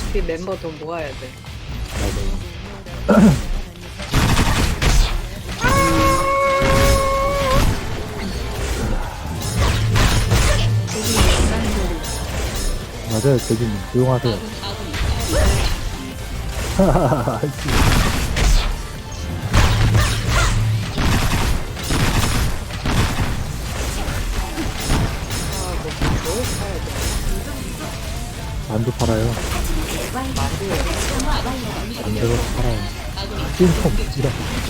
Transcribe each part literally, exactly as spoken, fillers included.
어차피 멤버 돈 모아야 돼. 맞아요. 맞아요, 대진님. 조용하세요. 아이씨. 아, 뭐, 뭘 사야 돼? 만두 팔아요. 만두에. 만두로 팔아요. 찐통, 이런.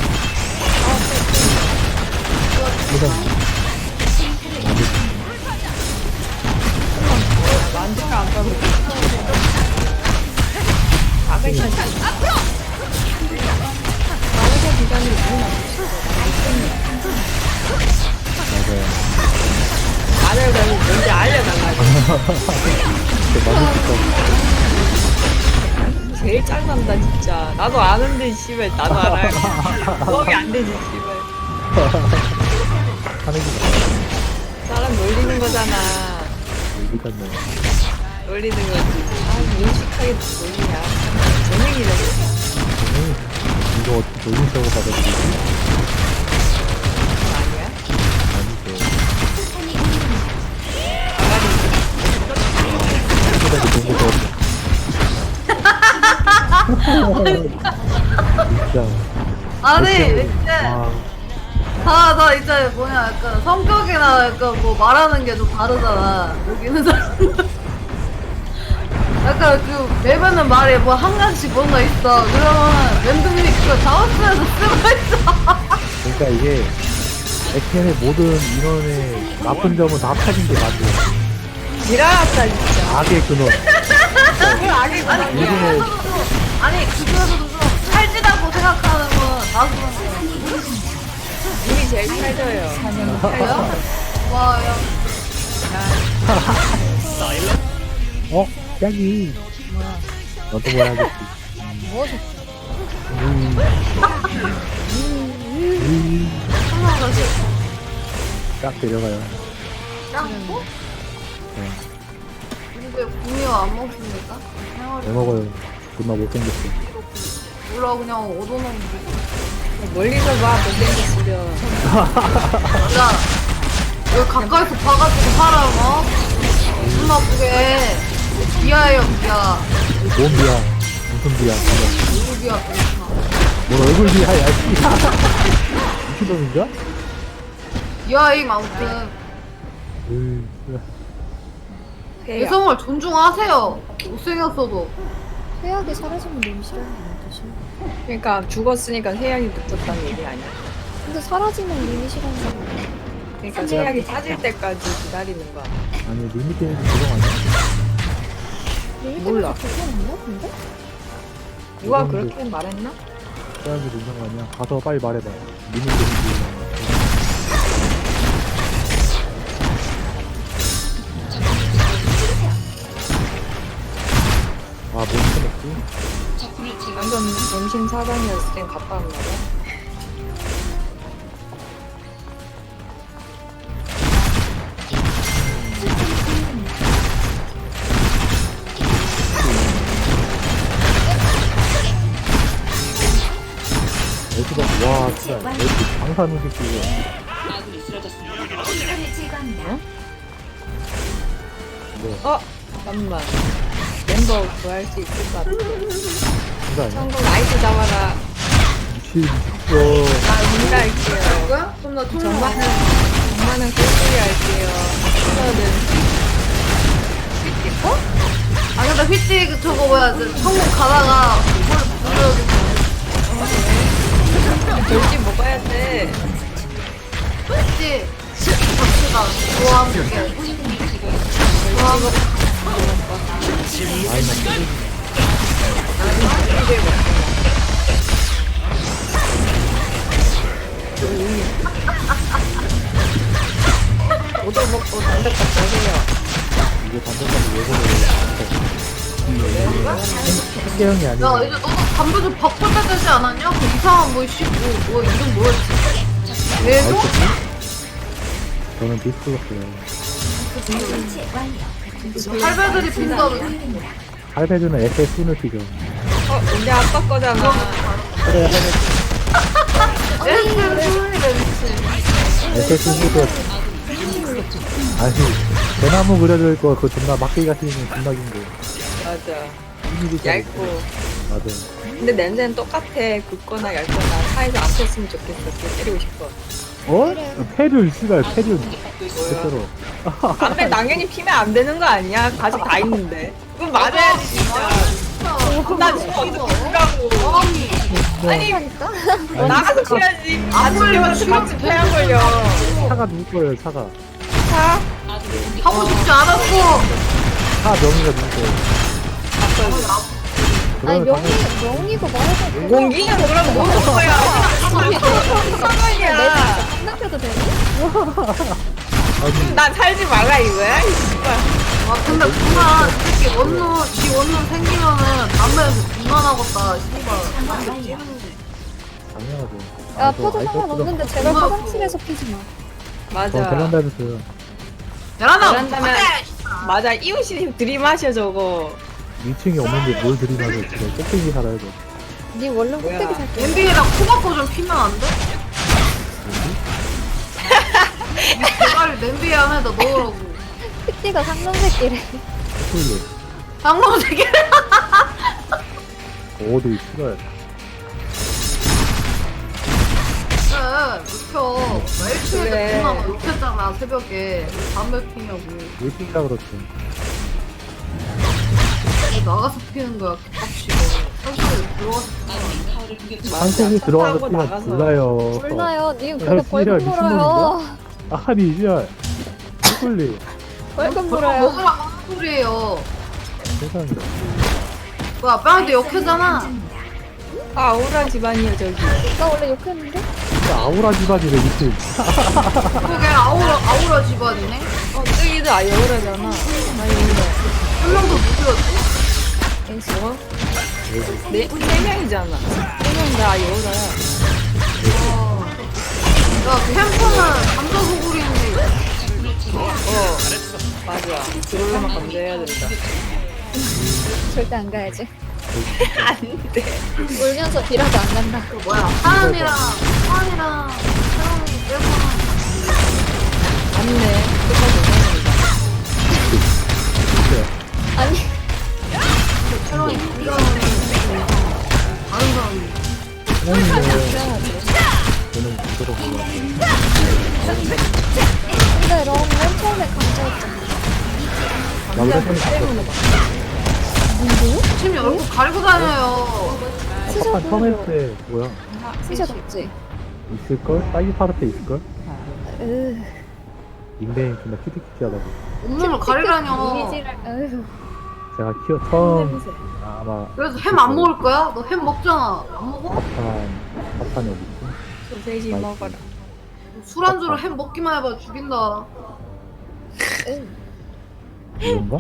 이런. 만두. 만두가 안 가고. 아가씨. 아가씨 기간이 너무 맞아요. 말을 뭔지 알려달라고. 진짜 만두 비싸. 제일 짱난다, 진짜. 나도 아는데, 씨발. 나도 알아요. 부업이 안 되지, 씨발. 하는 게 맞아요. 사람 놀리는 거잖아. 일단은. 놀리는 거지. 아, 인식하게 놀리냐. 재능이라고. 저는 이거 어떻게 놀린다고 받아들이지? 그건 아니야? 아니죠. 아가리. 초대도 너무 좋았어. 진짜. 아니 이렇게- 이제 와, 다 다 이제 뭐냐 약간 성격이나 약간 뭐 말하는 게 좀 다르잖아 여기는 사람 약간 그 매번은 말에 뭐 한 가지 뭔가 있어 그러면 랜덤이 그거 자원수에서 쓰고 있어 그러니까 이게 액션의 모든 인원의 나쁜 점은 다 합쳐진 게 맞아요. 지랄았다, 진짜. 악의 근원. 그걸 악의 아니 그 구성이야. 중에서도 아니 그 중에서도 좀 찰지다고 생각하는 건 나도 님이 제일 살져요. 그래요? 와야 어? 짱이. 너도 뭐 해야겠지. 뭐, 음. 음. 한번 다시 딱 데려가요. 짱고? 네. 근데 구미호 안 먹습니까? 왜 먹어요? 존나 못생겼어. 몰라 그냥 얻어놓은 거 멀리서 봐, 못생겼으려. 야, 왜 가까이서 봐가지고 사람, 어? 기분 나쁘게. 비하예요, 비하. 뭔 비야? 무슨 비야? 누구 비하, 뭘 얼굴 비야? 야, 미친놈인가? 비하임, 아무튼. 으이, 폐야. 여성을 존중하세요. 못생겼어도. 회약이 사라지면 너무 싫어하는 뜻이. 그러니까 죽었으니까 세약이 붙었다는 얘기 아니야? 근데 사라지면 님이 싫어하는 거. 그러니까 세약이 찾을 때까지 기다리는 거야. 아니 리미트는 그거 아니야? 몰라. 괜찮았나 근데? 누가 그 정도. 그렇게 말했나? 사람이 된거 아니야? 가서 빨리 말해봐. 리미트는 아, 뭐 시켜먹지? 완전 정신 사장이었을 땐 갔다 왔나 봐. 애수가, 와, 진짜, 애수 방사능 새끼고. 뭐, 어? 잠깐만. 멤버 구할 수 있을 것 같아. 그거 아니야? 성공 나이스 잡아라. 미친, 미쳤어. 나 혼자 할게요. 누구야? 그럼 나 총. 정말은, 정말은 꿀꿀이 할게요. 저는 아, 근데 휘띠 그 저거 뭐야, 저 천국 가다가 뭘 불러야겠어. 돌지 먹어야 돼. 휘띠. 갑시다. 저와 함께. 저와 함께. 오도 먹고 단백 갖고 오세요. 이게 반대까지 왜 그래? 한계형이 야, 아니야. 이제 너도 담배 좀 바꿔야 되지 않았냐? 그 이상한 뭐, 씨, 뭐, 뭐, 이름 뭐였지? 왜도? 저는 디스크였어요. 할배들이 빈다고. 할배주는 에스에스는 피죠. 어, 근데 아빠 거잖아. 그래, 에스는 소리가 미치. 에스에스도 아니, 대나무 그려져 있고, 그거 존나 막대기 같은 거 존나 긴 거. 맞아. 얇고. 맞아. 근데 냄새는 똑같아. 굵거나 얇거나 사이즈 안 폈으면 좋겠어. 그거 때리고 싶어. 어? 페륜, 씨발, 페륜. 뭐야. 실제로. 담배 당연히 피면 안 되는 거 아니야? 가족 다 있는데. 그럼 맞아야지, 진짜. 나 지금 어떻게 피라고. 아니, 하니까 나가서 피야지. 같이 피면서 같이 폐한 걸려. 차가 누구 거예요, 차가? 자, 하고 싶지 않았어. 차 명의가 누구 거예요? 아니 그러면 명의 명의고 말해서 공기는 그럼 뭐는 거야? 상관이야. 생각해도 되니? 아니, 난 살지 말라 이거야? 이 씨발. 와 근데 누나 이렇게 원룸 지 원룸 생기면은 담배에서 분만하겠다. 씨발. 담배 찌는 당연하죠. 야 아, 저 포도 아이스 상관없는데 제발 엄마. 화장실에서 피지 마. 저 맞아. 베란다에서요. 야라나. 그런다면 맞아. 이웃이 들이마셔 저거. 이 층이 없는데 뭘 들이마서 지금 꼭대기 살아야 돼. 네 원룸 뭐야. 꼭대기 살게. 엔비에다 코바코 좀 피면 안 돼? 제발 냄비에 안에다 넣으라고. 피띠가 상놈새끼래. 콜리. 장롱새끼. 어디 싫어요. 그래, 눕혀. 나 일층에 그래. 누나가 눕혔잖아, 새벽에. 담배 피냐고. 왜 뛴다 그렇지. 나가서 피는 거야, 개빡치고. 설치에 들어가서 피는 거야. 한국에 들어와서 타고 뛰면 나가서. 몰라요. 몰라요. 님 야, 그거 벌금 씨발, 물어요. 아니, 이제 콜리. 벌금 그럼 물어요. 먹으라 하는 소리예요. 세상에. 뭐야, 뺨한테 욕하잖아. 아, 오라 집안이야 저기. 나 원래 욕했는데? 진짜 아우라 집안이래, 미친. 그게 아우라, 아우라 집안이네? 어, 저기도 아예 오라잖아. 아예 오라. 한 명도 누구였지? 어? 네, 세 명이잖아. 세명다 아예 오라야. 와. 야, 그 핸폰은 감자 소굴인데. 어, 맞아. 그걸로만 건조해야 된다. 절대 안 가야지. 안 돼. 울면서 비라도 안 간다. 그 뭐야, 하은이랑, 하은이랑, 채영이 빼고는 맞네. 끝까지 오는다. 아니 채영이 비교하는 다른 사람이. 사장님은 저는 그대로 몰라. 근데 럼 맨 처음에 강조했잖아. 남자 손이 바뀌었어. 누구? 팀이 얼굴 가리고 다녀요. 아빠판 처음 했을 때 뭐야? 티셔츠 없지? 있을걸? 사이즈 파르테 있을걸? 으 닉네임 존나 큐티큐티하다고. 온몸을 가리라뇨. 이미지를 으 제가 키워 처음 아마 그래서 햄 안 먹을 거야? 너 햄 먹잖아. 안 먹어? 파판 파판이 어디 있지? 소세지 먹어라. 술안주로 햄 먹기만 해봐 죽인다. 으. 이건가?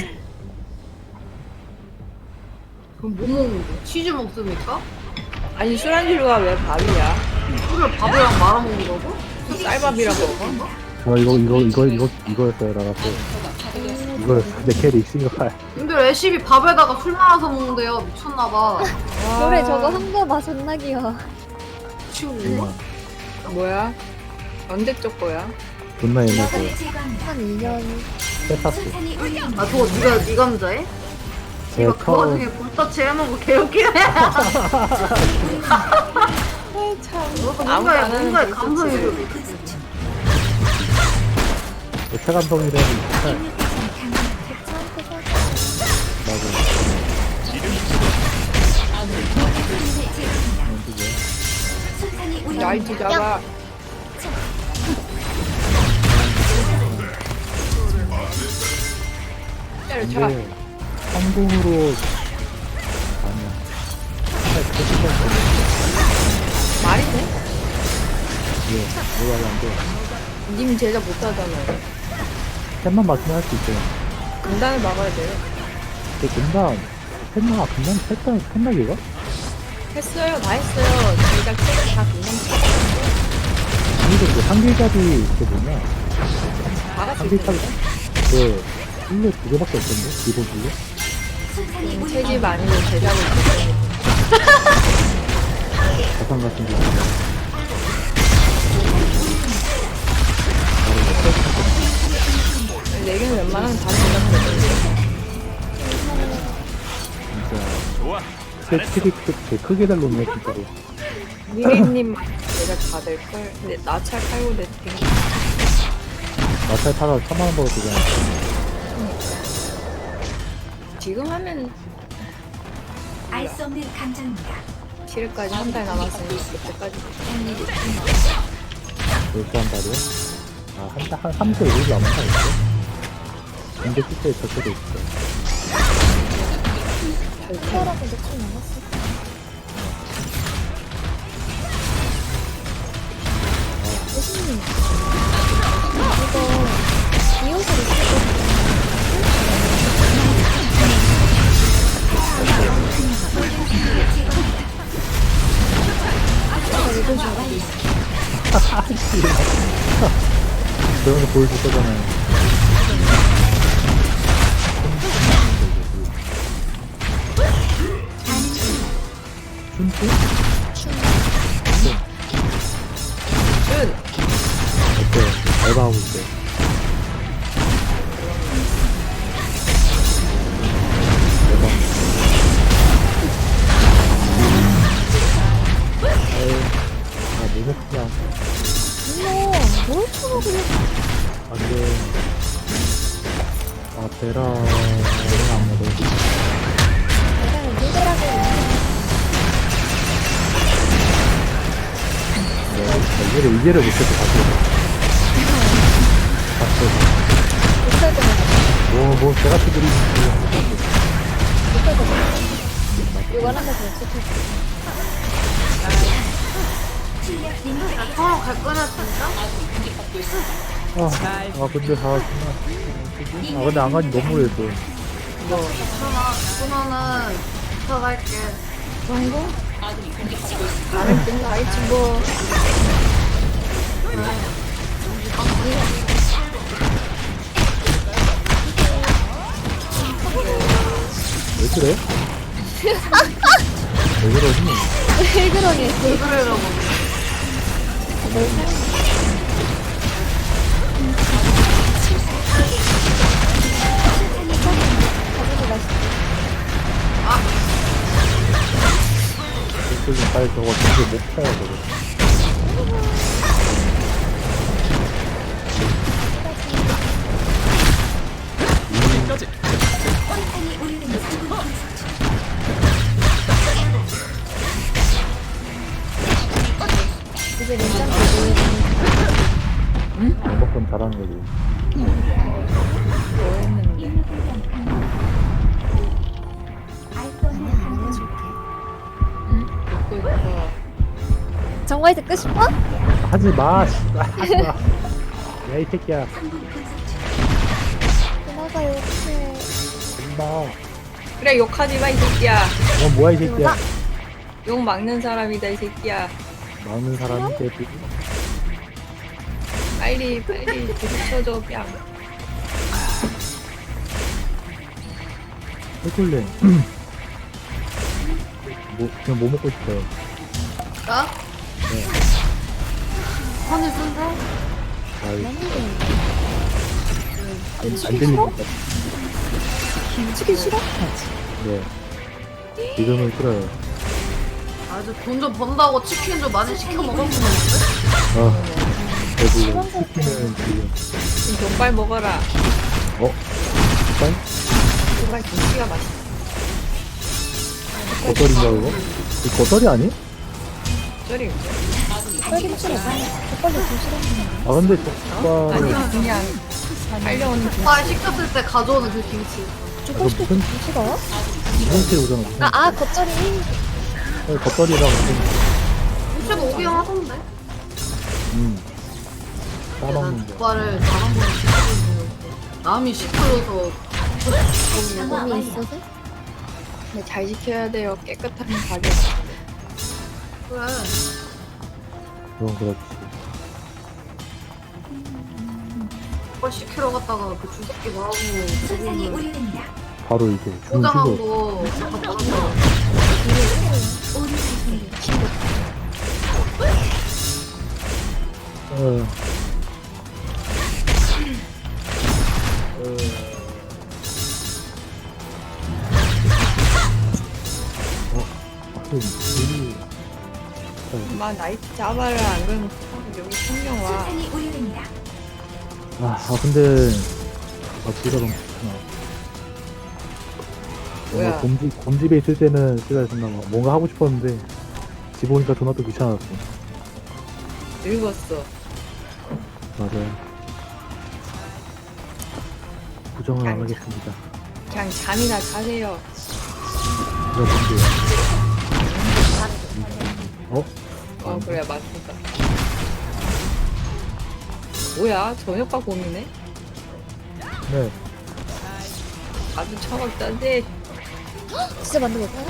그럼 뭐 먹는데? 치즈 먹습니까? 아니 술안주가 왜 밥이야? 술을 밥이랑 말아 먹는다고? 쌀밥이라 먹어? 저 이거 이거 이거 이거 이거였어요 나갔어. 이거였어. 내 캐리 싱글. 근데 레시피 밥에다가 술 말아서 먹는데요. 미쳤나봐. 노래 저거 한 거 봐 존나 귀여워. 친구. 뭐야? 언제적 거야? 존나 옛날 거. 한 이 년 세타스. 아 저거 네가 네 감자에? 제가 이거 그 와중에 처음 볼터치 해놓은 거 개웃기네. 너도 아무도 안 뭔가에 하는 뭔가에 볼터치. 감성이 좀. 체감성이라는 말. 괜찮게 살 맞아. 나이트 잡아. 때려쳐. 근데 성공으로 아니야. 말이 돼? 예, 뭐가 안 돼. 님 제작 못하잖아요. 펜만 맞으면 할 수 있어요. 금단을 막아야 돼요. 근데 금방 펜나 금방 펜나 펜나기가? 했어요. 다 했어요. 제작 제작 다 금방 아니도 그 한길잡이 그 뭐냐? 다 같이 한길잡이 그 일로 두 개밖에 없던데 기본 줄로? 채집 아니고 제작을 했어요. 자산 같은 게 네 개는 웬만하면 다 제작되는데. 진짜 제 크게 제 크게 달로네 진짜로. 미리님 제작 받을걸. 근데 나찰 팔고 냈더니 마찰 타가 삼만 원 벌었어 그냥. 지금 하면 알 수 없는 감정입니다. 칠일까지 한 달 남았으니 그때까지 열두 한 달이요? 아, 한 달, 한 삼 주 일 일 남았나, 있어? 근데 실제 적혀도 있어. 특별하게 며칠 남았어. 교수님, 이거 이옷을 입고 그런 거 보여줄 거잖아요. 춘추? 준 어때? 알바하고 있대. 대박. 에이, 아, 뭐 먹냐. 이모, 뭘 쳐먹으려. 안 돼. 아, 베라는 안 먹어. 내가 누구라고. 네, 이해를, 이해를 못해서 다시. 다시. 못할 것 같아. 뭐, 뭐, 제가 그들이. 못할 것 같아. 이거 하나 더 시켜. 나 처음 갈 거냐 진짜? 아, 아, 근데, 아, 정말. 아, 근데 안 가니 너무 오래 또. 괜찮아. 그러면은 부탁할게. 정도? 나는 끝나 있지 뭐. 왜 그래? 왜 그러니? 왜 그러니? 왜 그래라고. 가지고 맛있어. 좀 빨리 저거 진짜 못 타요, 저거. 이제 냉장고 넣어야 응? 먹건 잘하는 거지. 뭐 했는데. 응? 듣고 있어. 정말 듣고 싶어? 하지 마, 씨발. 하지 마. 야, 이 새끼야. 누나가 이렇게. 엄마. 그래 욕하지 마 이 새끼야. 넌 뭐야, 이 새끼야. 욕 막는 사람이다 이 새끼야. 많은 사람이 대비. 빨리 빨리 부딪혀줘 뺨. 해골렘. 뭐, 그냥 뭐 먹고 싶어요? 나? 네. 하늘 쓴다? 아, 너무 안, 안 들리니까. 치킨 싫어? 네. 지금은 싫어요. 아주 돈 좀 번다고 치킨 좀 많이 시켜 먹었는데? 아, 배불러. 치킨은 지금. 지금 돈빨 먹어라. 어? 빨리? 정말 김치가 맛있어. 겉절인가, 그거? 이거 겉절이 아니? 쩌리. 쌀김치를 족발도 좀 싫어하는 아, 근데 어? 족발을. 아니 그냥 팔려오는 김치. 아 시켰을 때 가져오는 그 김치. 족발 시켜 무슨- 좀 싫어? 이상치에 오잖아. 무슨- 아, 아, 겉절이. 아니, 겉절이랑 무슨. 김치가 오긴 하던데? 음. 난 싸먹는 거. 족발을 단 한 번에 시켜주는 남이 시켜줘서 몸이 있어서? 근데 잘 지켜야 돼요. 깨끗한 가게. 그래. 그건 그렇지. 족발 시키러 갔다가 그 주새끼 나오고 세상이 그거는 우리입니다. 바로 이제 죽은 포장한 친구. 거 갖다 버렸어. 어. 어. 아, 이- 엄마 나이트 잡아라. 안 그러면 여기 풍경 와. 수탄이 오래됩니다. 아, 아 근데 아 뒤가 너무 좋구나. 뭔가 뭐야? 곰집 곰집에 있을 때는 제가 정말 막 뭔가 하고 싶었는데 집 오니까 존나 또 귀찮았어. 늙었어. 맞아요. 부정을 안 하겠습니다. 그냥 잠이나 자세요. 여러분들. 어? 어 그래 맞습니다. 뭐야 저녁밥 고민해? 네. 아주 차갑다는데 진짜 만들어볼까요?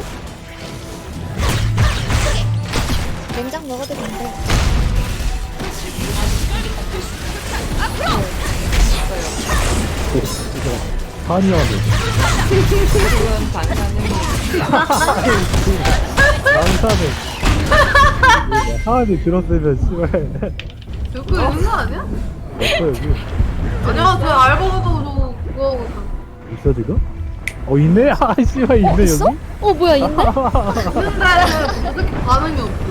냉장 먹어도 된대. 한이 형한테. 그건 반찬은 난사는. 하은이 들었으면 씨발. 저거 있는 거 아니야? 없어 여기. 아니야, 저 알바가도 저 그거 하고 있어. 있어 지금? 어 있네? 아 씨발 있네 있어? 여기? 어 뭐야 있네? 있는데 어떻게 반응이 없어.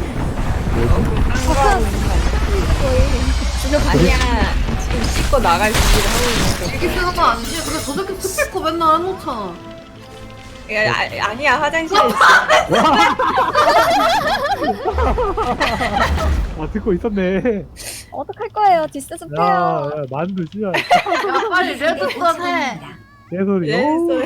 아니야 지금 씻고 나갈 준비를 하고 있는 이렇게 쓰는 거 아니지? 근데 저렇게 스피커 맨날 해놓잖아. 거. 야, 아, 아니야 화장실에 있어. 아 듣고 있었네. 어떡할 거예요? 뒷세 좀 야, 빼요. 야 만두 씨발. 야, 빨리 레드스톤 해. 내 소리. 네, 어우. 소리.